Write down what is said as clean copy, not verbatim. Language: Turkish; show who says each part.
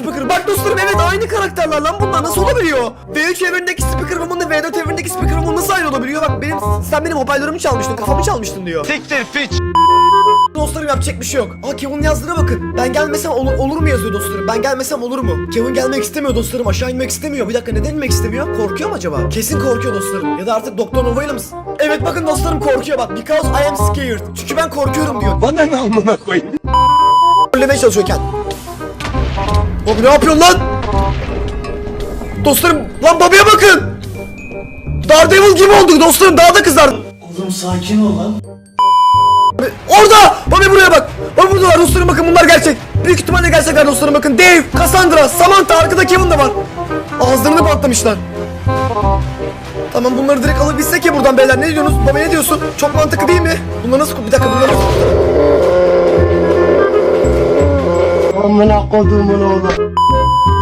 Speaker 1: Speaker. Bak dostlarım, evet aynı karakterler lan bunlar, nasıl olabiliyor? V3 evrendeki Speaker Woman'la V4 evrendeki Speaker Woman nasıl aynı olabiliyor? Bak sen benim hoparlörümü çalmıştın, kafamı çalmıştın diyor.
Speaker 2: Siktir piç.
Speaker 1: Dostlarım yapacak bir şey yok. Aa, Kevin yazdığına bakın. Ben gelmesem olur mu yazıyor dostlarım. Ben gelmesem olur mu? Kevin gelmek istemiyor dostlarım. Aşağı inmek istemiyor. Bir dakika, neden inmek istemiyor? Korkuyor mu acaba? Kesin korkuyor dostlarım. Ya da artık Doktor Nova'yla mısın? Evet bakın dostlarım, korkuyor bak. Because I am scared. Çünkü ben korkuyorum diyor.
Speaker 2: Bana ne amına koyayım?
Speaker 1: Öllemeye çalışıyorken. Bobby ne yapıyorsun lan? Dostlarım lan, Bobby'ye bakın. Daredevil gibi olduk dostlarım, daha da kızardı.
Speaker 3: Oğlum sakin ol lan.
Speaker 1: Orada! Bobby buraya bak! Bobby buradalar dostlarım, bakın bunlar gerçek. Büyük ihtimalle gerçekler dostlarım, bakın. Dave, Cassandra, Samantha, arkada Kevin de var. Ağızlarını patlamışlar. Tamam, bunları direkt alabilsek ya buradan beyler, ne diyorsunuz? Bobby ne diyorsun? Çok mantıklı değil mi? Bunlar nasıl... Bir dakika, bunlar nasıl...
Speaker 3: Amına kodumun oğlu.